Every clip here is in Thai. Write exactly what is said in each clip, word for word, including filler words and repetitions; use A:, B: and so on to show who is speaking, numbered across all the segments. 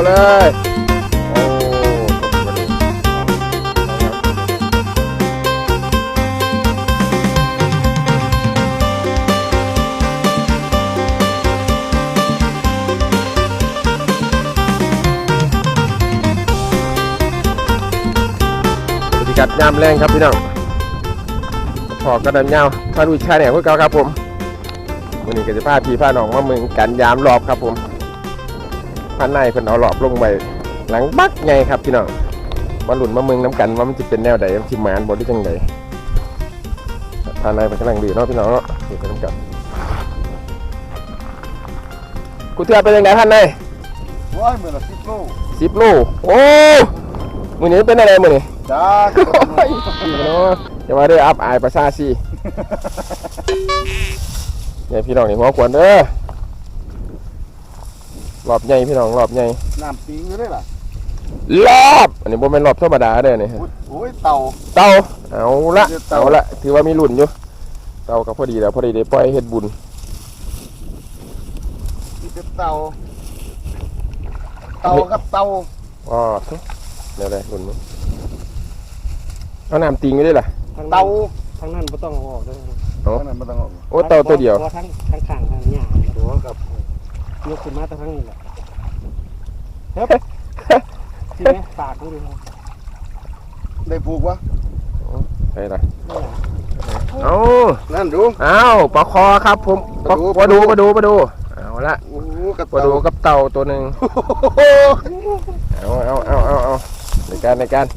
A: เลยโอ้บรรยากาศยามแรงครับพี่น้องพอกระดันยาวพาดูชายเนี่ยพวกเขาครับผมวันนี้ก็จะพาพี่พาน้องมาเมืองกันยามรอบครับผมพันในเพิ่นเอารอบลงไปหลังบักไงครับพี่น้องมาหลุนมาเมืองน้ำกันว่ามันจะเป็นแนวใดมันจะหมานบ่ได้จังไดพันในเป็นกำลังดีเนาะพี่น้องเนาะอยู่กันน้ำกันกูเทือเป็นยังไงพันใน
B: ว้ายมือละสิบโล
A: สิบโลโอ้มือนี้เป็นอะไรมือนี้
B: จ้า
A: พี่น้องจะมาได้อัพอายประชาชีเนี่ยพี่น้องนี่หัวขวานเด้อรอบใหญ่พี่น้องรอบใหญ่
B: น้ำปิงอยู่ได้ล่ะ
A: รอบอันนี้บ่เป็นรอบธรรมดาเด้อนี่
B: โอ้ยเต่า
A: เต่าเอาละเอาละถือว่ามีรุ่นอยู่เต่าก็พอดีแล้วพอดีได้ปล่อยเฮ็ดบุญ
B: มีแต่เต่าเต่ากับเต่า
A: อ๋อเดี๋ยวได้รุ่นมั้งเอาน้ำติงไปได้ล่ะ
B: เต่า
C: ทางนั้นไม่ต้องเอาออกด้วย
A: โอ้
B: นั่นไม่ต้องออก
A: โอ้เต่าตัวเดียว
C: ทั้งทั้งข้างทั้งหญ้า
B: ตัวกับ
C: ยกขึ้นมาทั้งนี้แหละเฮ้ยทีนี้ปากดู
B: ได้ผูกวะ
A: ไปละเอา
B: นั่นดู
A: เอาปลาคอครับผมปลาปลาดูปลาดูปลาดูเอาละปลาดูกับเต่าตัวหนึ่งเอาเอาเอาเอาเอาในการในการ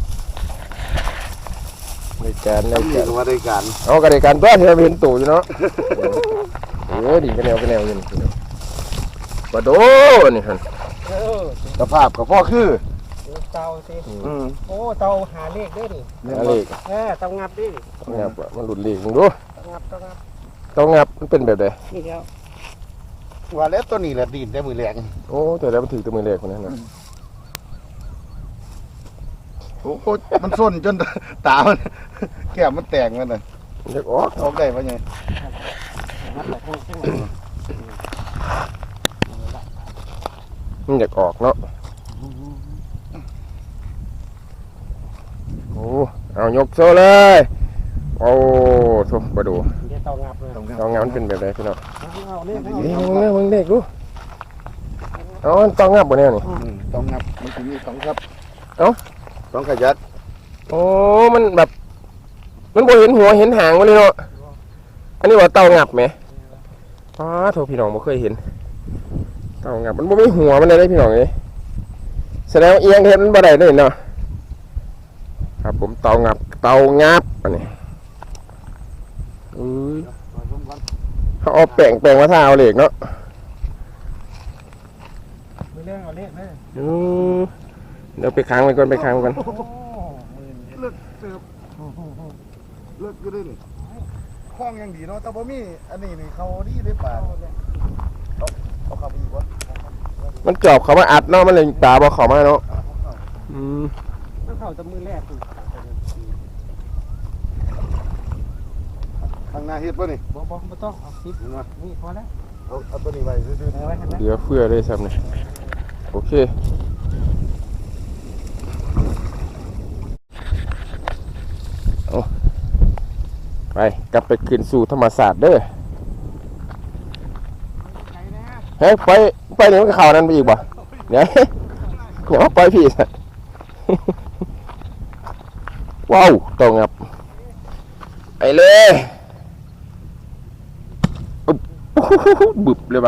A: ในการในการ
B: ว่าได้การ
A: เอากระเดการตัวที่เราเห็นตู่อยู่เนาะเออดีกันแนวกันแนวอยู่นี่ปลาดูนี่ฮะ
B: สภาพกับพ่อคือ
C: เตาสิโอ้เตาหาเลขด้วยดิ
A: หาเลข
C: เออเตางับดิ
A: เตางับมันหลุดเลขมึงดู
C: เตางับเตางับ
A: เตางับมันเป็นแบบใด
C: นี่เดียว
B: ว่าแล้วตัวนี้แหละดินได้มือแรง
A: โอ้แต่แล้วมันถือตัวมือแรงคนนั้นนะ
B: โอ้โหมันส้นจนตามันแก้มมันแตกมันเลย
A: อยากออก
B: ออกได้ปะไง
A: มันอยากออกเนาะโอ้เอายกโซ่เลยโอ้ทุบมาดู
C: เตางับเลย
A: เตางับมันเป็นแบบไหนพี่น้องนี่มึงเนี่ยมึงเด็กดูเอาเตางับบ่เนี่ยนี่
B: เตางับมันถึงมีสองครับ
A: เอ้า
B: สองขยัด
A: โอ้มันแบบมันบ่เห็นหัวเห็นหางมันเลยเนาะอันนี้ว่าเตางับไหมอ๋อโทษพี่น้องบ่เคยเห็นเตางับมันบ่มีหัวมันเลยได้พี่น้องเอ้ยแสดงว่าเอียงเห็นมันบ่ได้เลยเนาะครับผมเตางับเตางับอันนี้เขาเอาแป้งแป้งมาทาเอาเหล็กเนาะ
C: ไม่เรื่องเอาเล็กเลย
A: เดี๋ยวไปค้างไว้ก่อนไปค้างกัน
B: เลิกเสิร์ฟเลิกก็ได้นี่คล้องยังดีเนาะแต่บ่มีอันนี้นี่เขาดีได้ป่าเขาเขาขับอีกวะ
A: มันจอบเขามาอัดเนาะมันเลยตาบ่เขามาเนาะอืม
C: มันเข้าจะมือแรก
B: ทางหน้าเฮ็ดป่ะนี่
C: บ่บ่บ่ต้องเอาซิปนี่พอแล้ว
B: เอาเอาตัวนี้ไว้ซื่อ
A: ๆเดี๋ยวเพื่อได้ซ้ำนี่โอเคเอาไปกลับไปคืนสู่ธรรมศาสตร์เด้อเฮ้ยไปไปนี่มันข่าวนั้นไปอีกบ่เนี่ยขอไปพี่สัตว์ว้าวตรงครับไปเลยบึบเลยปะ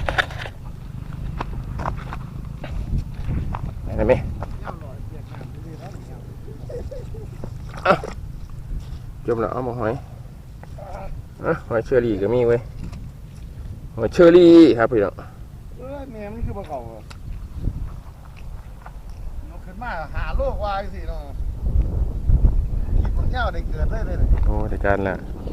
A: ไปไหมจมแล้วเอามาหอยอ่ะหอยเชอรี่ก็มีเว้ยหอยเชอรี่ครับพี่น้อง
B: เออเนี่ยมันคือปลาเก่าเราขึ้นมาหาโลกวายสิเนาะคิดมันเงาได้เกิดได้เลย
A: โอ้ได้การละ